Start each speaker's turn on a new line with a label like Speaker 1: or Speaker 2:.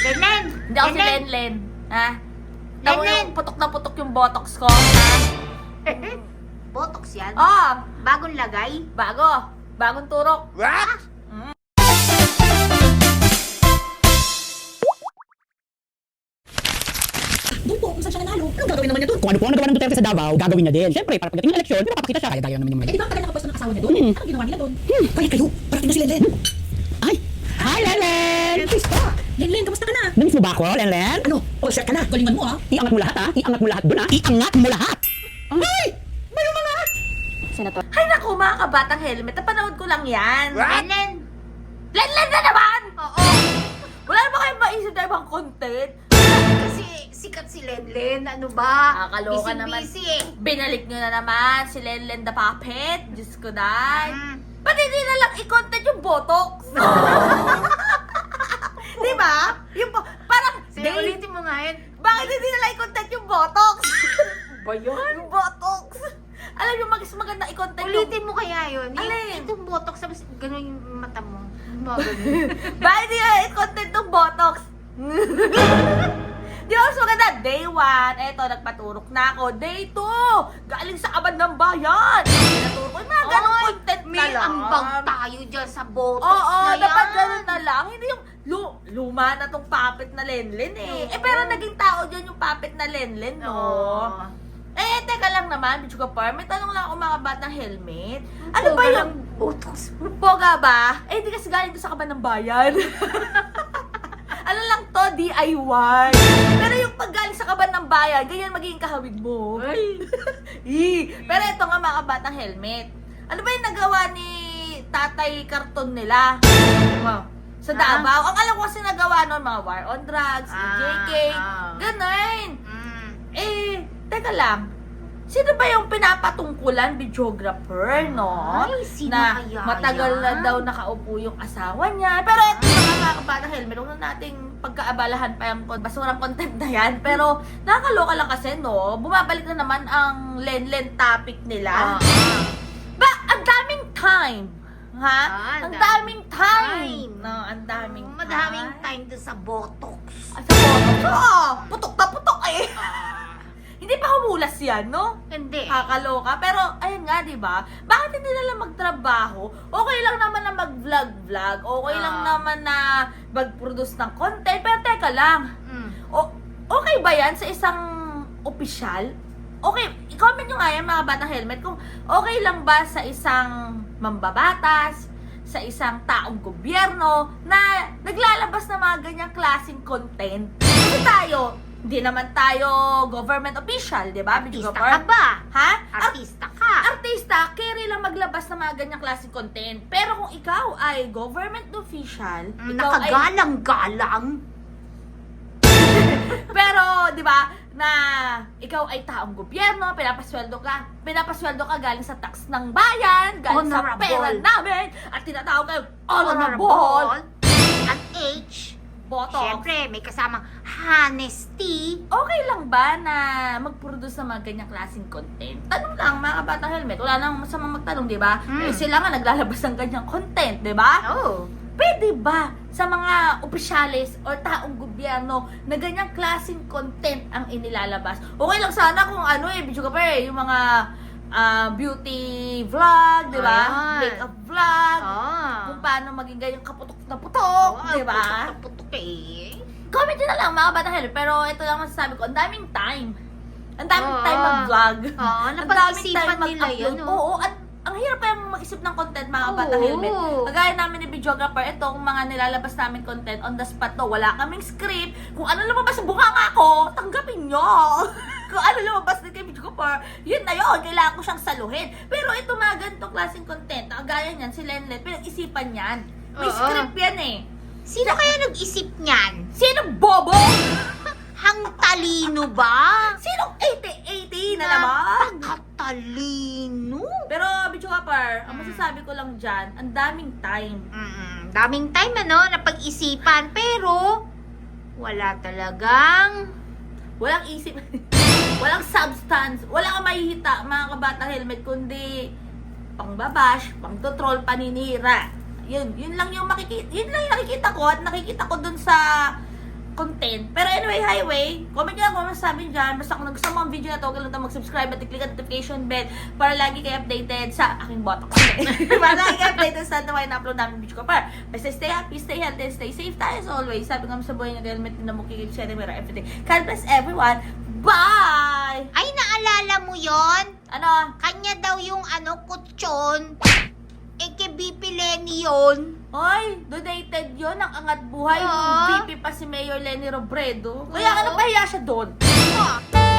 Speaker 1: Lenlen!
Speaker 2: Hindi ako si
Speaker 1: Lenlen!
Speaker 2: Lenlen. Ha? Tamo
Speaker 1: Lenlen!
Speaker 2: yung putok na putok yung botox ko. Ha?
Speaker 1: Botox yan?
Speaker 2: Oh,
Speaker 1: Bagong lagay?
Speaker 2: bago. Bagong turok.
Speaker 3: What?
Speaker 4: Doon po, kung saan siya nanalo, anong gagawin naman niya doon? Kung ano po ang nagawa ng Duterte sa Davao, gagawin niya din. Siyempre, para pagdating ng eleksyon, pinapakita siya, kaya gaya naman naman.
Speaker 1: Eh, di ba ang tagal nakapwesto ng asawa niya doon? Anong ginawa nila doon?
Speaker 4: Kaya kayo, parating na si Lenlen. Ay! Hi, Lenlen!
Speaker 1: Pista! Lenlen, kamusta ka na?
Speaker 4: Namiss mo ba ako, Lenlen?
Speaker 1: Ano? All set ka na? Galingan mo ah!
Speaker 4: Iangat mo lahat, ha? Iangat mo lahat doon, ha? Iangat mo lahat! Ay! May mga!
Speaker 2: Hay naku, mga kabatang helmet. Napanood ko lang yan.
Speaker 1: Lenlen!
Speaker 2: Lenlen na naman!
Speaker 1: Oo!
Speaker 2: Wala na ba kayong maisip na ibang content?
Speaker 1: Kasi sikat si Lenlen, ano ba?
Speaker 2: Nakakaloka naman.
Speaker 1: Busy eh!
Speaker 2: Binalik nyo na naman si Lenlen the Puppet. Diyos ko, day.
Speaker 1: Mm.
Speaker 2: Ba't hindi na lang i-content yung botox? Di ba? Yung parang,
Speaker 1: Sige, ulitin mo nga yun.
Speaker 2: bakit hindi na lang i-content yung botox?
Speaker 1: Ba yun?
Speaker 2: Yung botox. Alam yung mas maganda i-content
Speaker 1: Ulitin mo kaya yun.
Speaker 2: Alin?
Speaker 1: Itong botox, tapos ganun yung mata mo. Mga ganun.
Speaker 2: Bakit hindi na i-content yung botox? Di ba mas maganda? Day 1, eto, nagpaturok na ako. Day 2, galing sa abad ng bayan. Pinaturok ko, yung mga ganong
Speaker 1: Oy,
Speaker 2: content na
Speaker 1: may
Speaker 2: lang.
Speaker 1: ambag tayo dyan sa botox
Speaker 2: Oo,
Speaker 1: na yan.
Speaker 2: dapat ganun na lang. Hindi yung luma na tong puppet na Lenlen eh. Eh, pero naging tao dyan yung puppet na Lenlen, no?
Speaker 1: Oo.
Speaker 2: Eh, teka lang naman, Bichuga Par, may tanong lang ako mga batang helmet. Ano ba yung
Speaker 1: botox?
Speaker 2: poga ba? Eh, hindi kasi galing to sa kaban ng bayan. Ano lang to, DIY. Pero yung paggaling sa kaban ng bayan, ganyan magiging kahawig mo.
Speaker 1: Ay.
Speaker 2: Pero ito nga mga batang helmet. Ano ba yung nagawa ni Tatay Karton nila? Sa Davao. Ang alam ko kasi nagawa nun, mga war on drugs, JK, ganun.
Speaker 1: Mm.
Speaker 2: Eh, teka lang. Sino ba yung pinapatungkulan videographer, no?
Speaker 1: Ay, sino
Speaker 2: na
Speaker 1: kaya
Speaker 2: matagal na
Speaker 1: yan?
Speaker 2: daw nakaupo yung asawa niya. Pero ito mga kabatang helmet, huwag na nating pagkaabalahan pa yung basurang content na yan. Pero nakakaloka lang kasi, no? Bumabalik na naman ang Lenlen topic nila. Ba, ang daming time. Ha? Ang daming time. No, ang daming
Speaker 1: Madaming time doon sa botox.
Speaker 2: Sa botox. Oo, putok na putok eh. Hindi pa humulas yan, no?
Speaker 1: Hindi.
Speaker 2: Kakaloka. Pero, ayun nga, di ba? Bakit hindi na lang magtrabaho? Okay lang naman na mag-vlog-vlog. Okay lang naman na mag-produce ng content. Pero teka lang.
Speaker 1: Mm.
Speaker 2: Okay ba yan sa isang opisyal? Okay, i-comment nyo nga yan mga batang helmet kung okay lang ba sa isang mambabatas, sa isang taong gobyerno na naglalabas ng mga ganyang klaseng content. Kasi tayo, hindi naman tayo government official, di ba?
Speaker 1: Artista ka ba?
Speaker 2: Ha?
Speaker 1: Artista ka.
Speaker 2: Artista, carry lang maglabas ng mga ganyang klaseng content. Pero kung ikaw ay government official, ikaw ay...
Speaker 1: Nakagalang-galang.
Speaker 2: Pero, di ba, na ikaw ay taong gobyerno, pinapasweldo ka galing sa tax ng bayan, galing sa
Speaker 1: Honorable.
Speaker 2: pera namin, at tinatawag kayo honorable,
Speaker 1: At H.
Speaker 2: botox.
Speaker 1: Siyempre, may kasamang honesty.
Speaker 2: Okay lang ba na mag-produce ng mga ganyang klaseng content? Tanong lang, mga kabatang helmet. Wala nang masamang magtanong, di ba?
Speaker 1: Mm.
Speaker 2: Eh, sila nga naglalabas ng ganyang content, di ba?
Speaker 1: Oh.
Speaker 2: Pwede ba sa mga opisyalis o taong gobyerno na ganyang klaseng content ang inilalabas? Okay lang sana kung ano video ka pa yung mga beauty vlog, di ba?
Speaker 1: Ayan.
Speaker 2: Makeup vlog, kung paano maging ganyang kaputok na putok, di ba?
Speaker 1: Putok eh.
Speaker 2: Comment nyo na lang mga batang helmet. Pero ito lang masasabi ko, ang daming time. Ang daming
Speaker 1: Oo.
Speaker 2: time mag-vlog.
Speaker 1: Oo,
Speaker 2: Ang daming
Speaker 1: napag-isipan
Speaker 2: time
Speaker 1: nila
Speaker 2: mag-upload.
Speaker 1: yun,
Speaker 2: Oo, at ang hirap kayang mag-isip ng content mga batang
Speaker 1: Oo.
Speaker 2: helmet. Kagaya namin ni videographer, itong mga nilalabas namin content on the spot to. Wala kaming script. Kung ano lumabas sa bunganga ko, tanggapin nyo. Kung ano lumabas din kay videographer, yun na yun. Kailangan ko siyang saluhin. Pero ito mga ganitong klaseng content, kagaya niyan, si Lenlen, pinag-isipan yan. May
Speaker 1: Oo.
Speaker 2: script yan eh.
Speaker 1: Sino kaya nag-isip niyan?
Speaker 2: Sino bobo?
Speaker 1: Hang talino ba?
Speaker 2: Sinong 80-80 na naman?
Speaker 1: Napakatalino.
Speaker 2: Pero, Bicho Kapar, ang masasabi ko lang dyan, ang daming time.
Speaker 1: Daming time na pag-isipan, pero wala talagang
Speaker 2: Walang isip, walang substance, wala kang mahihita, mga kabatang helmet, kundi pangbabash, pang-troll, paninira. Yun lang yung nakikita ko at nakikita ko dun sa content. Pero anyway, highway, comment nyo lang kung masasabi dyan. Basta kung nagustuhan mo ang video na to, huwag kalimutan mag-subscribe at i-click ang notification bell para lagi kayo updated sa aking bottom. Para lagi kayo updated sa naman na-upload namin video ko. Basta stay happy, stay healthy, stay safe tayo as always. Sabi nga sa buhay na helmet na mukikip siya na everything. God bless everyone. Bye!
Speaker 1: Ay, naalala mo yon?
Speaker 2: Ano?
Speaker 1: Kanya daw yung kutsyon. Kay BP Lenny yun.
Speaker 2: Ay, donated yun. Ang angat buhay.
Speaker 1: Ah.
Speaker 2: VP pa si Mayor Lenny Robredo. Kaya ano pahiya siya doon?
Speaker 1: Ah.